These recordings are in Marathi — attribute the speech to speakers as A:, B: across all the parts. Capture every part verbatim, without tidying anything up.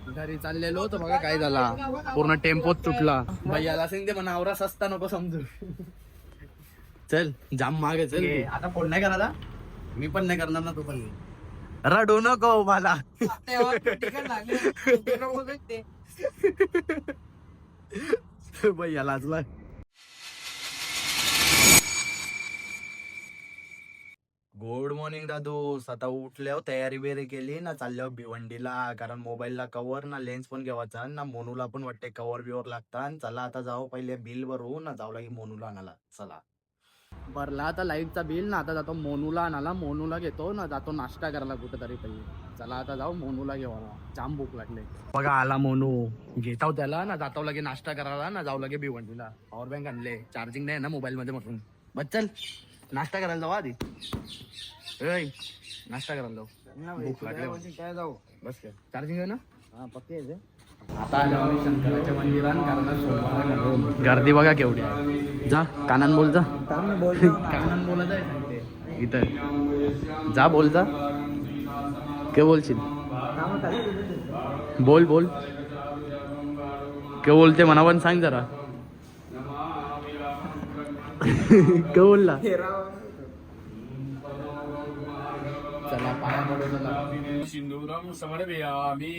A: घरी चाललेलो तर बघा काय झाला, पूर्ण टेम्पोच तुटला. भैयाला सांगते म्हणा आवरा सस्ता नको समजू. चल जाम मागे चल. आता फोन नाही करायला, मी पण नाही करणार ना, तू पण नाही. रडू नको मला. भैया लाजला. गुड मॉर्निंग दादू. आता उठल्यावर तयारी बियारी केली ना, चालल्यावर भिवंडीला, कारण मोबाईलला कव्हर ना लेन्स पण घेवायचा ना, मोनूला पण वाटते कव्हर बिवर लागतात. चला आता जाऊ पहिले बिल भरू ना, जाऊ लागे मोनूला आणायला. चला भरला आता लाईटचा बिल ना, आता जातो मोनूला आणायला. मोनूला घेतो ना, जातो नाश्ता करायला कुठेतरी पहिले. चला आता जाऊ मोनूला घेवायला, जाम भूक लागले. बघा आला मोनू, घेताव त्याला ना, जातो लगे नाश्ता करायला ना, जाऊ लगे भिवंडीला. पॉवर बँक आणले, चार्जिंग नाही ना मोबाईल मध्ये म्हणून. बस चल नाश्ता करायला जाऊ आधी. ए नाश्ता करायला जाऊ, भूक लागली. काय जाऊ बस काय चार्जिंग आहे ना. हा पक्के आहे. आता आलो आम्ही शंकराच्या मंदिरात, कारण सोमवार गर्दी बघा केवढी आहे. जा कानान बोल, जा कानान बोलत आहे सांगते इथं. जा बोल, जा काय बोलशील, बोल बोल काय बोलते म्हणा पण सांग जरा. काय बोलला. चला पाया पडू. चला सिंधुराम समर्पयामि.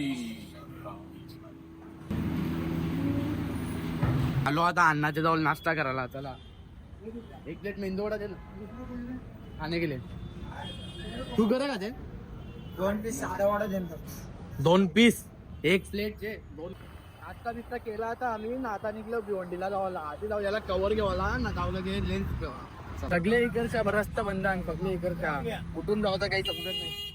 A: आलो आता अण्णाच्या जवळ नाश्ता करायला. चला एक प्लेट मेंदू वडा दे ना, खाणे गेले. तू करे का ते दोन पीस साधा वडा दे. दोन पीस एक प्लेट चे दोन. नाश्ता बिस्ता केला आता आम्ही ना, आता निघलो भिवंडीला जावाला. आधी जाऊ याला कव्हर घेवाला ना, जाऊ लगे लेन्स घेवा. सगळे इकडच्या रस्ता बंद आहे, सगळे इकडच्या. कुठून जावं काही समजत नाही.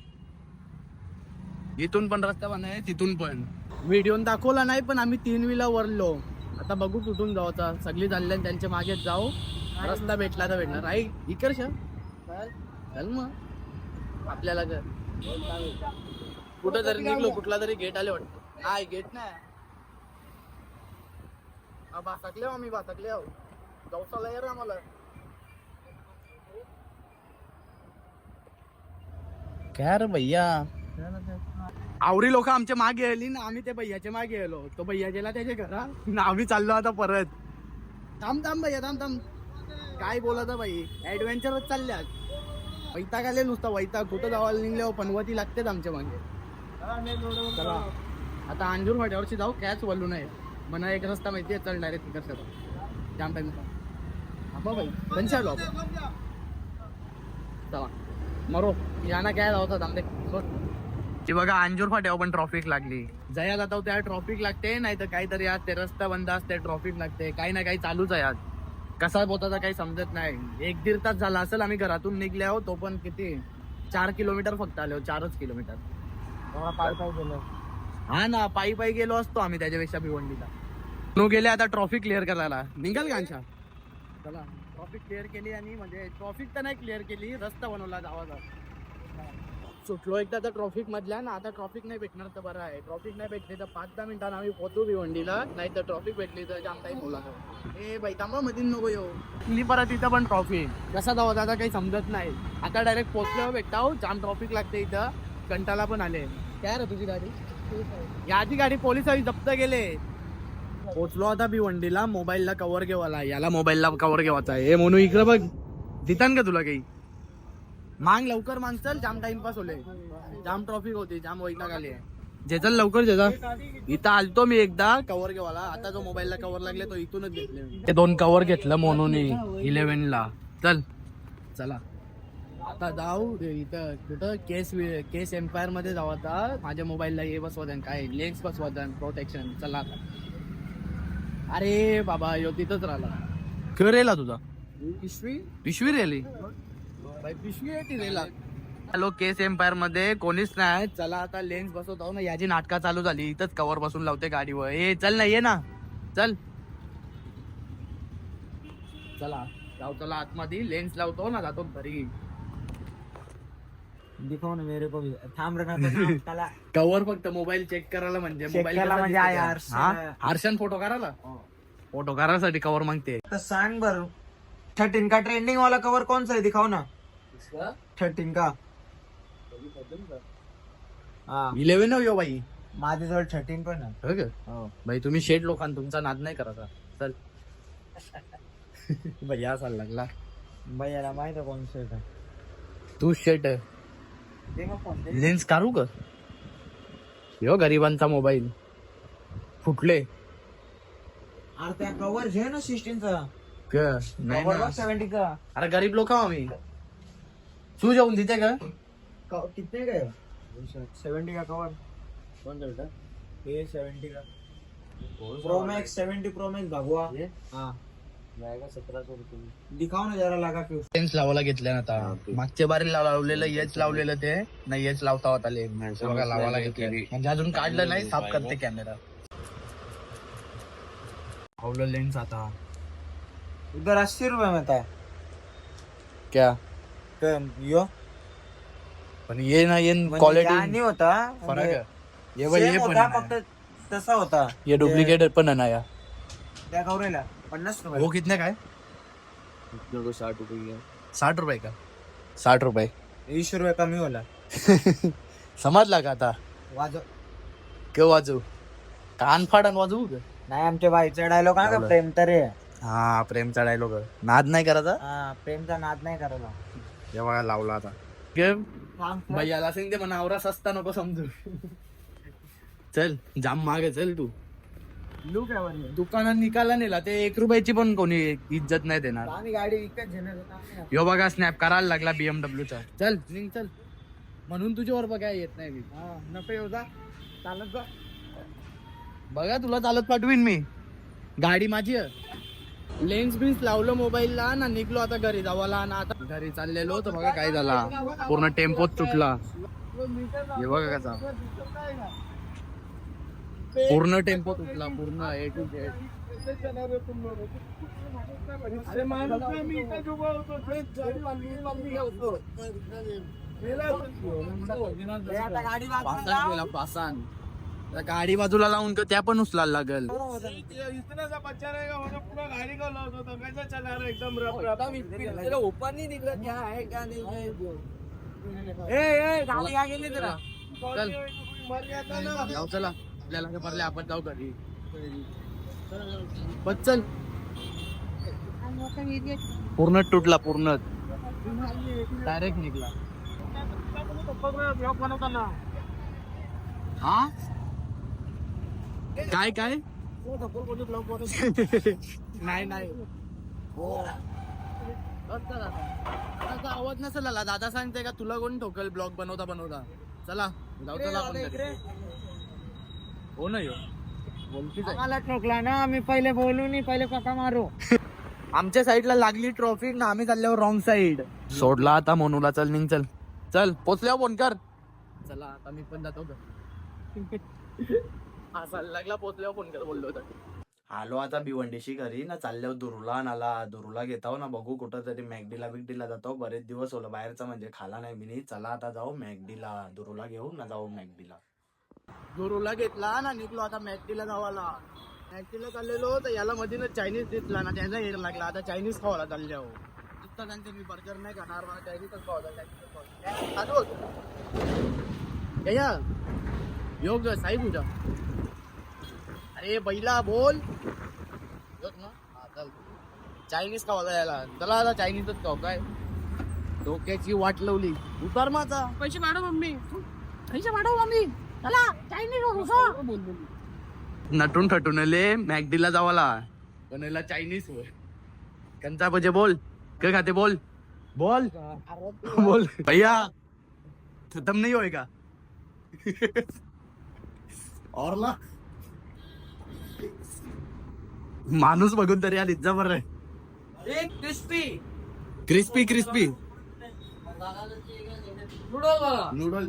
A: इथून पण रस्ता बंद आहे, तिथून पण. व्हिडिओ दाखवला नाही पण आम्ही तीन विला वरलो. आता बघू कुठून जावचा. सगळी चालले त्यांच्या मागे जाऊ, रस्ता भेटला तर भेटणार. आई इकडच्या चल मग आपल्याला घर कुठं तरी निघलो, कुठला तरी गेट आले वाटतं. नाही गेट नाही, बासकले आम्ही बासकले आहो. जाऊसाला यार आम्हाला. काय रे भैया, आवरी लोक आमच्या मागे आली ना, आम्ही त्या भैयाच्या मागे आलो. तो भैया गेला त्याच्या घरा ना, आम्ही चाललो आता परत. थांब थांब भैया थांब थांब. काय बोलत भाई, ऍडव्हेंचरच चालल्यात. वैताग आले नुसता वैताग. कुठं जावायला निघल्यावर पनवती लागतेच आमच्या मागे. चला आता अंजूर फाट्यावरची जाऊ, कॅच बोलू नये म्हणा. एक रस्ता माहिती आहे, चल डायरेक्ट तिकडचा जाम टाइम. हा भाई पंचायत चला मरो याना काय जावतात आमचे. ती बघा अंजूर फाट्यावर पण ट्रॉफिक लागली. जया जातो त्या ट्रॉफिक लागते, नाही तर काहीतरी आज ते रस्ता बंद असते, ट्रॉफिक लागते. काही ना काही चालूच आहे आज. कसा बोताचा काही समजत नाही. एक दीड तास झाला असेल आम्ही घरातून निघले आहो. तो पण किती चार किलोमीटर फक्त आलो, चारच किलोमीटर. पायी पायी गेलो. हा ना पायी पायी गेलो असतो आम्ही त्याच्यापेक्षा भिवंडीला. नो गेले आता ट्रॉफिक क्लिअर करायला. निघाल का अंशा. चला ट्रॉफिक क्लिअर केली, आणि म्हणजे ट्रॉफिक तर नाही क्लिअर केली, रस्ता बनवला जावाचा. सुटलो एकदा तर ट्रॉफिक मधल्या ना. आता ट्रॉफिक नाही भेटणार तर बरं आहे. ट्रॉफिक नाही भेटली तर पाच दहा मिनिटांना आम्ही पोहोचू भिवंडीला. नाही तर ट्रॉफिक भेटली तर जाम टाईम होला. ए बाई थांबा मध्ये नको येऊ. मी परत इथं पण ट्रॉफिक कसा जावं आता काही समजत नाही. आता डायरेक्ट पोहोचल्यावर भेटताव. जाम ट्रॉफिक लागते इथं. कंटाला पण आले. काय रे तुझी गाडी, याची गाडी पोलिसांनी जप्त केले. पोचलो आता भिवंडीला. मोबाईलला कव्हर घेवाला, याला मोबाईलला कव्हर घेवायचा आहे. म्हणून इकडे बघ देतान का तुला काही. मांग लवकर मांग, चल जाम टाइमपास होले. जाम ट्रॉफिक होती, जाम वैताग आली आहे. जे चल लवकर जे जा. इथं आलतो मी एकदा कव्हर घेवाला. आता जो मोबाईलला कव्हर लागले तो इथूनच घेतले. ते दोन कव्हर घेतलं म्हणून इलेव्हन ला. चल चला आता जाऊ इथं कुठं केस केस एम्पायर मध्ये जाऊ. आता माझ्या मोबाईलला हे बसवतात, काय लेन्स बसवतात, प्रोटेक्शन. चला आता. अरे बाबा यो तिथंच राहिला. खरं रेला तुझा पिशवी पिशवी रेली पिशवी आहे ती रेला. हॅलो केस एम्पायर मध्ये कोणीच नाही. चला आता लेन्स बसवतो ना. याची नाटका चालू झाली. इथंच कव्हर बसून लावते गाडीवर. ए चल ना, ये ना चल. चला जाऊ, चला आतमध्ये लेन्स लावतो ना, जातो घरी.
B: दिखाओ ना मेरे को भी. थांब रहा था.
A: कव्हर फक्त मोबाईल चेक करायला, म्हणजे मोबाईल हर्षन फोटो करायला. फोटो करायसाठी कव्हर मागते.
B: तर सांग बर, थर्टीन का ट्रेंडिंग वाला कवर कौन सा है, दिखाओ ना. थर्टीन का
A: इलेवन हो यो भाई.
B: माझ्याजवळ थर्टीन पण आहे.
A: हो का
B: हो
A: भाई तुम्ही शेट लोकांना तुमचा नाद नाही करायचा. चल भैया असायला लागला.
B: भैयाला माहित आहे कोण शेट आहे.
A: तू शेट
B: दे मग फोन दे.
A: लेन्स काढू का? यो गरिबांचा मोबाईल फुटले.
B: अरे त्या कव्हर घे ना सिक्स्टीनचा.
A: नाही ना.
B: सेव्हन्टीचा.
A: अरे गरीब लोक आम्ही. तू जाऊन देते का?
B: कितने का सेवेंटी का कवर.
A: कोण देतं?
B: ये सेवेंटी का pro max. Seventy pro max भगवा. हाँ
A: सतरा सौ रुपये.
B: दिखाओ ना जरा लगा के.
A: लेन्स लावायला घेतल्या ना आता. मागच्या बारी लावलेलं येच लावलेलं ते नाही येच लावता होता लेन्स. बघा लावायला घेतलं म्हणजे अजून काढलं नाही. साफ करते कॅमेरा. आवलं लेन्स आता.
B: उधर अस्सी रुपये में था
A: क्या
B: यो.
A: पण ये ना ये
B: म्हणजे
A: क्वालिटी
B: या नाही होता
A: फरक आहे. ये
B: Same
A: बघ, ये पण
B: होता,
A: आहे
B: फक्त
A: ना.
B: तसा होता.
A: ये डुप्लिकेट पण आहे ना या.
B: त्या कवरेला पन्नास रुपये.
A: वो कितने का है?
B: साठ रुपये.
A: साठ रुपये का? साठ रुपये.
B: वीस रुपये कमी होला.
A: समजला का आता?
B: वाजव.
A: केव्हा वाजू? कान फाडन वाजवू का?
B: नाही आमच्या बाईचा डायलॉग का
A: लावलं.
B: प्रेम तर रे.
A: हा प्रेमचा डायलॉग. नाद नाही करायचा.
B: हा प्रेमचा नाद नाही करायला.
A: हे बघा लावला आता. भैयाला सांगते म्हणा आवरा सस्ता नको समजू. चल जाम मागे चल तू.
B: लुक आहे.
A: दुकानात निकाला नेला ते एक रुपयाची पण कोणी इज्जत नाही देणार.
B: आम्ही गाडी विकत घेणार होतो.
A: यो बघा स्नॅप करायला लागला बीएमडब्ल्यू चा. चल निघ चल. म्हणून तुझ्यावर बघा येत नाही मी.
B: हा नको येऊ जा. चालत जा.
A: बघा तुला चालत पाठवीन मी. गाडी माझी आहे. लेन्स बिन्स लावलं मोबाईलला ना निघलो आता घरी जावाला ना. आता घरी चाललेलो तर बघा काय झाला. पूर्ण टेम्पोच तुटला. हे बघा कसा पूर्ण टेम्पो तुटला. पूर्ण ए टू झेड.
B: आता गाडी
A: पासान गेला पासान. त्या गाडी बाजूला लावून का त्या पण उचलायला लागल.
B: ओपन नहीं दिख रहा. क्या है क्या नहीं. ए ए गाडी आ गेली जरा.
A: चल जाऊ चला. आपल्याला काय पडले आपण जाऊ घरी. बस चल. पूर्ण तुटला. पूर्ण डायरेक्ट निघला. हा काय काय नाही नाही आवाज नसेल आला. दादा सांगते का तुला कोण ठोकल ब्लॉग बनवता बनवता. चला जाऊ चला आपण घरी. हो ना यो बोलतीच आहे.
B: मला ठोकला ना. आम्ही पहिले बोलू नाही पहिले पका मारू.
A: आमच्या साईडला लागली ट्रॉफिक ना. आम्ही चालल्यावर रॉंग साईड सोडला. आता मनूला चल निघ चल. चल पोचल्यावर फोन कर. चला आता मी पण जातो. हा लागला पोचल्यावर फोन कर बोललो होता. आलो आता भिवंडीशी घरी ना. चालल्यावर दुरुला नाला दुरुला घेताव ना. बघू कुठं तरी मॅगडीला बिगडीला जातो. बरेच दिवस होलं बाहेरचा म्हणजे खाला नाही मी. चला आता जाऊ मॅगडीला. दुरुला घेऊ ना जाऊ मॅगडीला. दुरुला घेतला ना निघलो आता मॅगडीला जावाला. मॅगडीला चाललेलो तर याला मध्ये चायनीज दिसला ना. त्याचा हेर लागला. आता चायनीज खावाला चालल्यावर. नुसतं त्यांचं मी बर्गर नाही खाणार. मला चायनीजच खावा. या योग साई पूजा. अरे बैला बोल. चायनीज खावा याला. चला आता चायनीजच खाऊ. काय डोक्याची वाट लावली. उतार माझा. पैसे वाढव मम्मी. पैसे वाढव मम्मी. चला चायनीज. नटून ठटून आले मॅगडीला जावाला. बनवला चायनीज वर. कंचा पाहिजे बोल. काय खाते बोल. बोल बोल भैया खत्म नहीं होएगा. और ना माणूस बघून तरी आली जा बरं.
B: Crispy
A: crispy crispy
B: noodle.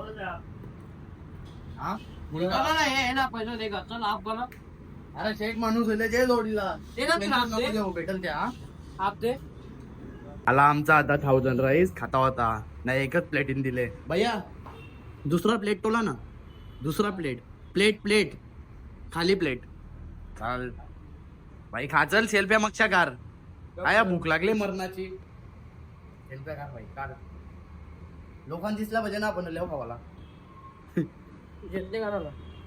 A: हा
B: पैसा देगा. चल आप बना.
A: अरे शेख माणूस होते जे जोडीला
B: ते ना तुला
A: नको
B: दे.
A: देऊ, भेटेल त्या.
B: आप दे.
A: आला आमचा आता थाउजंड राईस खाता होता. नाही एकच प्लेटीन दिले. भैया दुसरा प्लेट तोला ना. दुसरा प्लेट प्लेट प्लेट खाली प्लेट. चाल भाई खा. चल सेल्फ्या मक्षा कार. काय भूक लागली मरणाची. सेल्फ्या कार भाई कार. लोकांना दिसला पाहिजे ना आपण लेव खावाला.
B: घेतले का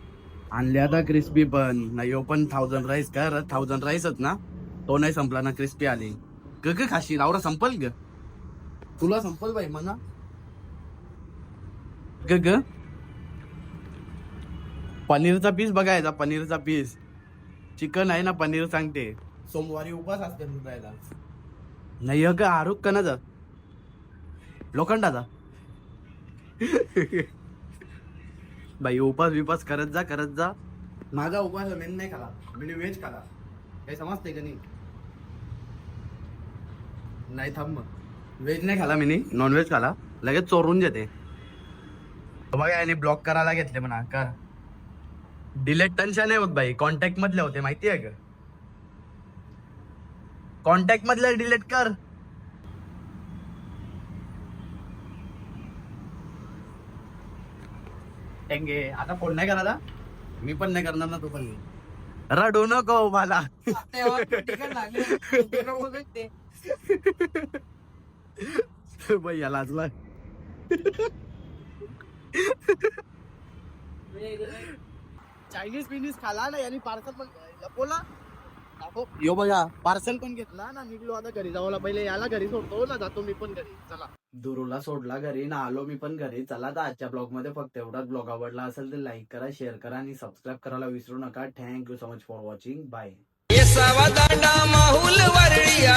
A: आणले आता क्रिस्पी पण नाही हो पण थाउजंड राईस का थाउजंड राईसच ना तो नाही संपला ना क्रिस्पी आली ग ग खाशी रावरा संपल ग तुला संपल बाई म्हणा ग ग पनीरचा पीस बघायचा पनीरचा पीस चिकन आहे ना पनीर सांगते सोमवारी उपास असते दुधायला नाही ग आरोप कणाचा लोखंडाचा बाई उपास विपास करत जा करत जा माझा उपास मेन नाही खाला मी व्हेज खाला काही समजते का नाही नाही थांब मग व्हेज नाही खाला मी नॉन व्हेज खाला लगेच चोरून जेते बघा याने ब्लॉक करायला घेतले म्हणा कर डिलेट टेन्शन नाही होत बाई कॉन्टॅक्ट मधले होते माहिती आहे का कॉन्टॅक्ट मधले डिलीट कर टेंगे आता फोन नाही करायला मी पण नाही करणार ना तू पण नाही रडू नको मला भैया लाजला चायनीज बिनीज खाला ना यांनी पार्सल पण लपवला यो बघा पार्सल पण घेतला ना निघलो आता घरी जाऊला पहिले याला घरी सोडतो ना जातो मी पण घरी चला दुरूला सोडला घरी ना आलो मी पण घरी चला तर आजच्या ब्लॉग मध्ये फक्त एवढाच ब्लॉग आवडला असेल तर लाईक करा शेअर करा आणि सबस्क्राईब करायला विसरू नका thank you so much for watching bye
C: Mahul Worli